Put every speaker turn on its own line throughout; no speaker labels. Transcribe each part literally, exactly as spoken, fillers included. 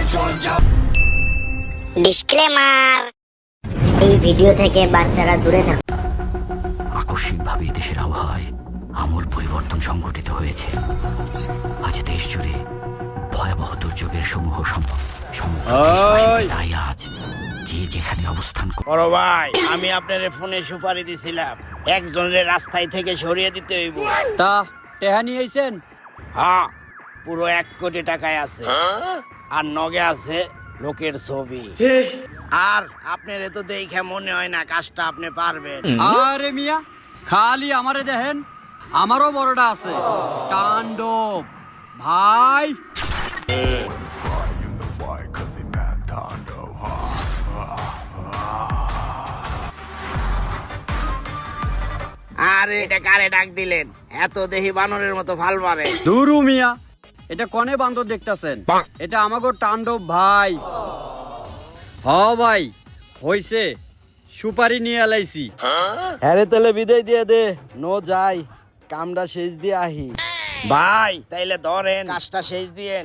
Disclaimer, এই video থেকে বাচ্চারা দূরে থাকুন।
আকস্মিকভাবে দেশের আবহাওয়ায় আমূল পরিবর্তন সংঘটিত হয়েছে। আজ দেশ জুড়ে ভয়াবহ দুর্যোগের সমূহ সম্ভব তাই আজ যে যেখানে অবস্থান করে।
বড় ভাই, আমি আপনার ফোনে সুপারি দিছিলাম, একজনের রাস্তায় থেকে সরিয়ে দিতে হইব।
তা টেহা নিয়ে আইছেন?
হ্যাঁ, পুরো এক কোটি টাকায় আছে, আর নগে আছে লোকের ছবি। আর আপনার তো দেখে মনে হয় না কাজটা আপনি পারবেন।
আরে মিয়া, খালি আমারে দেখেন, আমারও বড়টা আছে, তাণ্ডব ভাই।
আরে এটা কারে ডাক দিলেন? এত দেহি বানরের মতো ফাল মারে।
দুরু মিয়া, এটা কনে বান্দর দেখতাছেন? এটা আমাগো তাণ্ডব ভাই। হ ভাই, হইছে, সুপারি নিয়ে এলাইছি।
হ্যারে তাহলে বিদায় দিয়ে দে, নো যাই, কামটা শেষ দিয়ে আহি।
ভাই তাইলে ধরেন, কাজটা শেষ দিয়েন।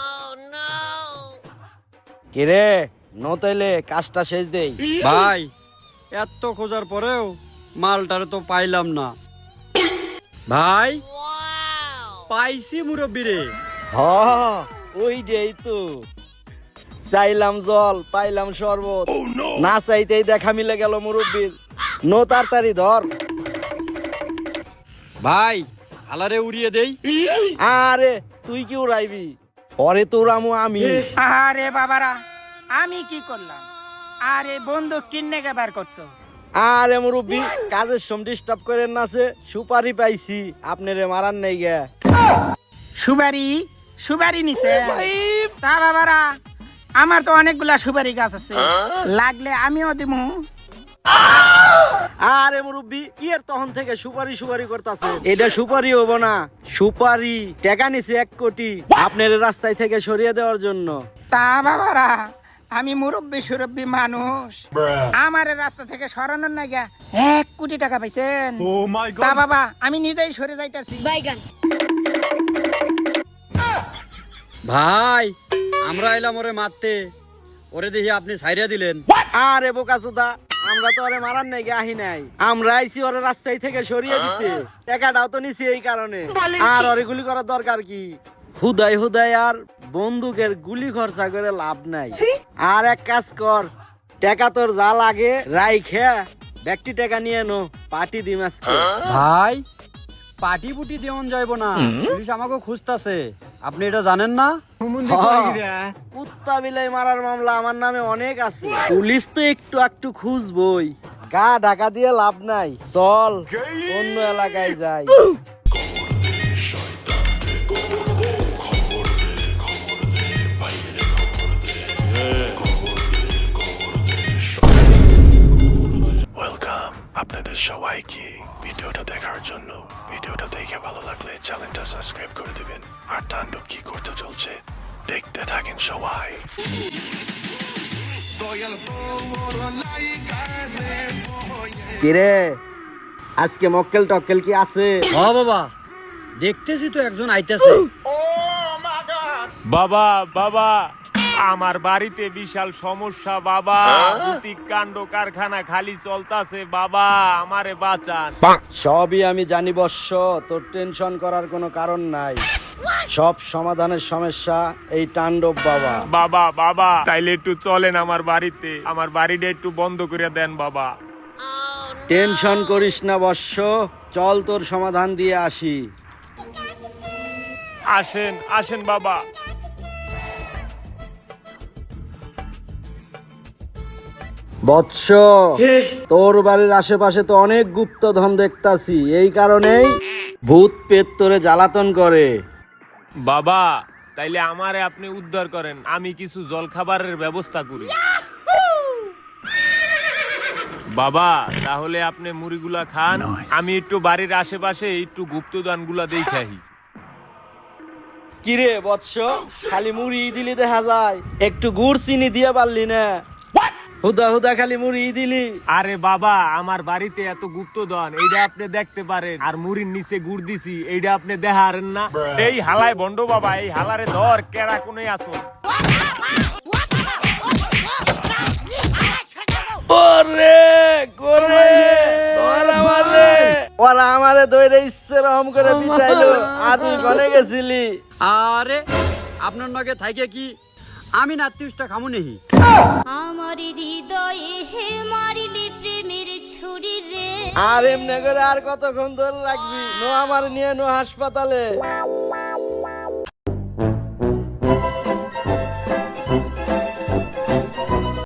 কিরে, নো তাইলে কাজটা শেষ দেই।
ভাই এত খোঁজার পরেও মালটারে তো পাইলাম না। ভাই পাইছি মুরব্বি রে।
হ ওই দেই তো, চাইলাম জল পাইলাম শরবত, না চাইতেই দেখা মিলে গেল মুরব্বির। নো তাড়াতাড়ি ধর।
ভাই আলারে উড়িয়ে দেই।
আরে তুই কি উড়াইবি? পরে তো উড়ামু আমি।
আরে বাবারা, আমি কি করলাম? আরে বন্দুক কিনে বার করছো?
আরে মুরব্বি, কাজের সম ডিস্টার্ব করেন না, সে সুপারি পাইছি, আপনারে মারান নাই গে।
সুপারি সুপারি নিছে? তা বাবারা, আমার তো অনেকগুলা সুপারি গাছ আছে, লাগলে আমিও দিমু।
আরে মুরব্বি, কি এর তখন থেকে সুপারি সুপারি করতেছে? এটা সুপারি হবো না, সুপারি টাকা নিছে এক কোটি আপনার রাস্তায় থেকে সরিয়ে দেওয়ার জন্য।
তা বাবারা, আমি মুরব্বী সুরব্বী মানুষ, আমার রাস্তা থেকে সরানোর না গিয়া এক কোটি টাকা পাইছেন। তা বাবা, আমি নিজেই সরে যাইতাছি।
ভাই আমরা এলাম ওরে মারতে, ওরে দেখি আপনি ছাইরা দিলেন।
আরে বোকাচোদা, আমরা তো ওরে মারার নাই গে আহি নাই, আমরা আইছি ওরে রাস্তায় থেকে সরিয়ে দিতে। টাকাটাও তো নিছি এই কারণে, আর ওরে গুলি করার দরকার কি? হুদাই হুদাই আর বন্দুকের গুলি খরচা করে লাভ নাই। আর এক কাজ কর, টাকা তোর যা লাগে রাইখে ব্যক্তি টাকা নিয়ে নো, পার্টি দিম আজকে।
ভাই পাটি পুটি দেওন যাইব না, পুলিশ আমাকে খুঁজতাছে, আপনি এটা জানেন না?
কুত্তা বিলাই মারার মামলা আমার নামে অনেক আছে, পুলিশ তো একটু একটু খুঁজবই। গা ঢাকা দিয়ে লাভ নাই, চল অন্য এলাকায় যাই।
ওয়েলকাম আপনাদের সবাইকে ভিডিওটা দেখার জন্য। ভিডিওটা দেখে ভালো লাগলে চ্যানেলটা সাবস্ক্রাইব করে দিবেন, আর তাণ্ডব কি করতে চলছে দেখতে থাকেন সবাই।
কিরে, আজকে মক্কেল টক্কেল কি আছে?
হ বাবা, দেখতেছি তো একজন আইতাছে।
বাবা বাবা, আমার বাড়িতে বিশাল সমস্যা বাবা, বুটিক কাণ্ড কারখানা খালি চলতাছে বাবা, আমারে বাঁচান।
সবই আমি জানি বৎস, তোর টেনশন করার কোনো কারণ নাই, সব সমাধানের সমস্যা এই তাণ্ডব বাবা।
বাবা বাবা, তাইলে একটু চলেন আমার বাড়িতে, আমার বাড়িটা একটু বন্ধ করে দেন বাবা।
টেনশন করিস না বৎস, চল তোর সমাধান দিয়ে আসি।
আসেন আসেন বাবা।
বৎস, তোর বাড়ির আশেপাশে তো অনেক গুপ্তধন দেখতাছি, এই কারণেই ভূত পেট তোরে জ্বালাতন করে।
বাবা তাইলে আমারে আপনি উদ্ধার করেন, আমি কিছু জল খাবারের ব্যবস্থা করি। বাবা তাহলে আপনি মুড়িগুলা খান, আমি একটু বাড়ির আশেপাশে একটু গুপ্তদান গুলা দেখাই।
কিরে বৎস, খালি মুড়ি দিলি দেখা যায়, একটু গুড় চিনি দিয়ে পারলি না? হুদা হুদা খালি মুড়ি দিলি।
আরে বাবা, আমার বাড়িতে এত গুপ্তধন, এইটা আপনি দেখতে পারেন, আর মুড়ির নিচে গুড় দিছি, এইটা আপনি দেখারেন না? এই হালায় বন্ড বাবা, এই হালারে ধর, কেরা কোনে আসো।
ওরে করে ধর আমারে ওরা আমারে দইরে ইচ্ছে রকম করে পিটাইলো আর তুই কোনে গেছিলি?
আরে আপনার নগে থাইকে কি আমি নাতিউসটা খামু নেহি?
আমার হৃদয়ে হে মারিলে প্রেমের ছুরি রে।
আর এমনি করে আর কতক্ষণ ধরে রাখবি? নো আমার নিয়ে নো হাসপাতালে।